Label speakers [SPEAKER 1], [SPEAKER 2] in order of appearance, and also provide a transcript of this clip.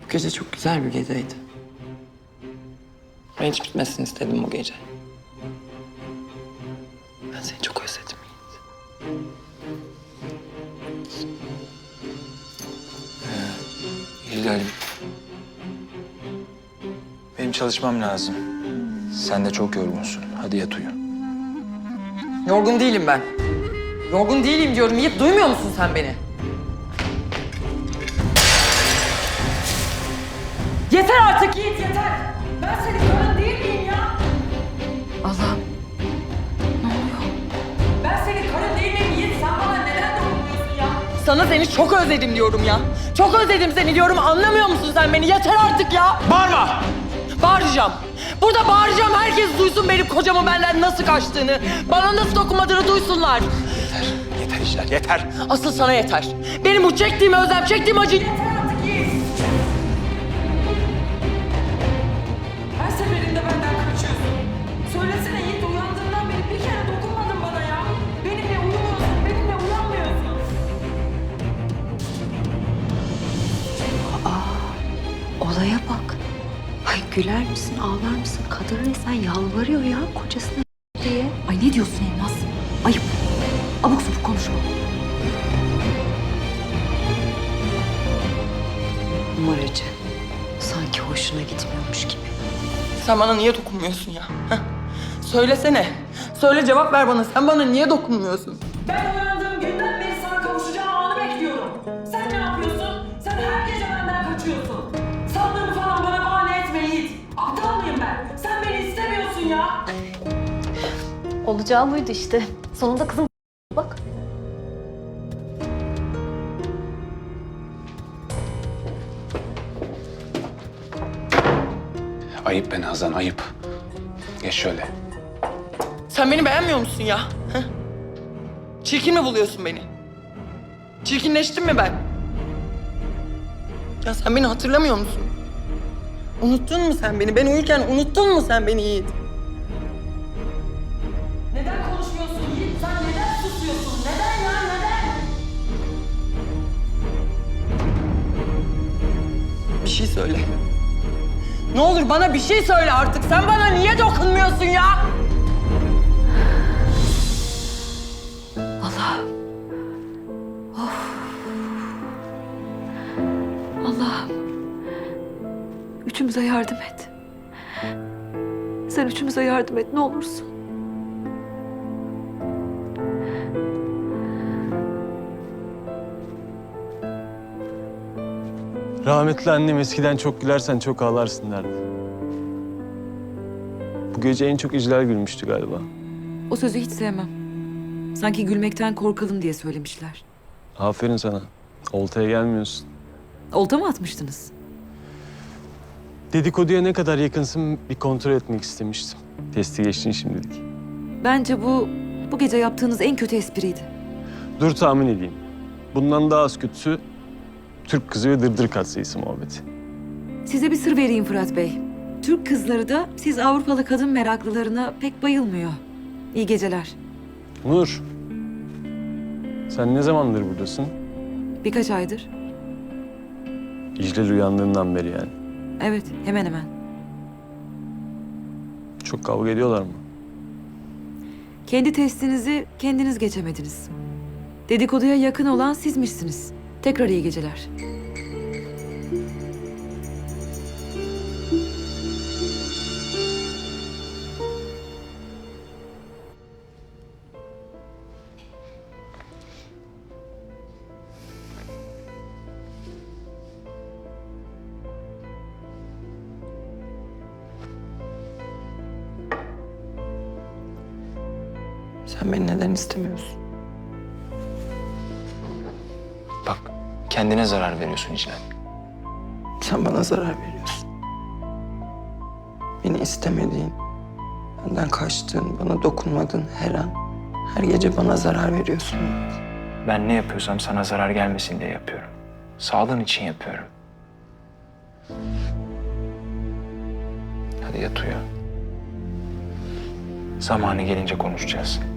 [SPEAKER 1] gece çok güzel bir geceydi. Ben hiç bitmesini istedim bu gece. Ben seni çok özledim Yiğit.
[SPEAKER 2] Hilal'im. Benim çalışmam lazım. Sen de çok yorgunsun. Hadi yat uyu.
[SPEAKER 1] Yorgun değilim ben. Yorgun değilim diyorum Yiğit. Duymuyor musun sen beni? Yeter artık Yiğit, yeter. Ben senin karın değil miyim ya?
[SPEAKER 3] Allah'ım. Ne oluyor?
[SPEAKER 1] Ben senin karın değil miyim Yiğit? Sen bana neden dokunmuyorsun ya? Sana seni çok özledim diyorum ya. Çok özledim seni diyorum. Anlamıyor musun sen beni? Yeter artık ya.
[SPEAKER 2] Bağırma!
[SPEAKER 1] Bağıracağım. Burada bağıracağım. Herkes duysun benim kocamın benden nasıl kaçtığını. Bana nasıl dokunmadığını duysunlar.
[SPEAKER 2] Yeter Hilal, yeter.
[SPEAKER 1] Asıl sana yeter. Benim bu çektiğim özlem, çektiğim acı yeter artık Yiğit. Her seferinde benden kaçıyorsun. Söylesene Yiğit, uyandığından beri bir kere dokunmadın bana ya. Benimle uyumuyorsun, benimle uyanmıyorsun.
[SPEAKER 3] Olaya bak. Ay güler misin, ağlar mısın? Kadın resmen yalvarıyor ya kocasına diye. Ay ne diyorsun Elmas? Ayıp. Abuk subuk konuşma. Numaracı. Sanki hoşuna gitmiyormuş gibi.
[SPEAKER 1] Sen bana niye dokunmuyorsun ya? Heh? Söylesene. Söyle, cevap ver bana. Sen bana niye dokunmuyorsun? Ben uyandığım günden beri sana kavuşacağım anı bekliyorum. Sen ne yapıyorsun? Sen her gece benden kaçıyorsun. Sandığını falan bana bahane etme Yiğit. Aptal mıyım ben? Sen beni istemiyorsun ya.
[SPEAKER 4] Olacağı buydu işte. Sonunda kızım bak.
[SPEAKER 5] Ayıp be Nazan, ayıp. Geç şöyle.
[SPEAKER 1] Sen beni beğenmiyor musun ya? Heh? Çirkin mi buluyorsun beni? Çirkinleştim mi ben? Ya sen beni hatırlamıyor musun? Unuttun mu sen beni? Ben uyurken unuttun mu sen beni Yiğit? Neden konuşmuyorsun Yiğit? Sen neden susuyorsun? Neden ya? Neden? Bir şey söyle. Ne olur bana bir şey söyle artık. Sen bana niye dokunmuyorsun ya?
[SPEAKER 3] Allah'ım. Of. Allah'ım. Üçümüze yardım et. Sen üçümüze yardım et ne olursun.
[SPEAKER 6] Rahmetli annem eskiden çok gülersen çok ağlarsın derdi. Bu gece en çok İclal gülmüştü galiba.
[SPEAKER 3] O sözü hiç sevmem. Sanki gülmekten korkalım diye söylemişler.
[SPEAKER 6] Aferin sana. Oltaya gelmiyorsun.
[SPEAKER 3] Olta mı atmıştınız?
[SPEAKER 6] Dedikoduya ne kadar yakınsın bir kontrol etmek istemiştim. Testi geçtin şimdilik.
[SPEAKER 3] Bence bu gece yaptığınız en kötü espriydi.
[SPEAKER 6] Dur tahmin edeyim. Bundan daha az kötüsü Türk kızı ve dırdır katsayısı muhabbeti.
[SPEAKER 3] Size bir sır vereyim Fırat Bey. Türk kızları da siz Avrupalı kadın meraklılarına pek bayılmıyor. İyi geceler.
[SPEAKER 6] Nur. Sen ne zamandır buradasın?
[SPEAKER 3] Birkaç aydır.
[SPEAKER 6] İclal uyandığından beri yani.
[SPEAKER 3] Evet, hemen hemen.
[SPEAKER 6] Çok kavga ediyorlar mı?
[SPEAKER 3] Kendi testinizi kendiniz geçemediniz. Dedikoduya yakın olan sizmişsiniz. Tekrar iyi geceler.
[SPEAKER 1] Sen beni neden istemiyorsun?
[SPEAKER 2] Bak, kendine zarar veriyorsun Hilal.
[SPEAKER 1] Sen bana zarar veriyorsun. Beni istemediğin, benden kaçtığın, bana dokunmadığın her an, her gece bana zarar veriyorsun.
[SPEAKER 2] Ben ne yapıyorsam sana zarar gelmesin diye yapıyorum. Sağlığın için yapıyorum. Hadi yat uyu. Zamanı gelince konuşacağız.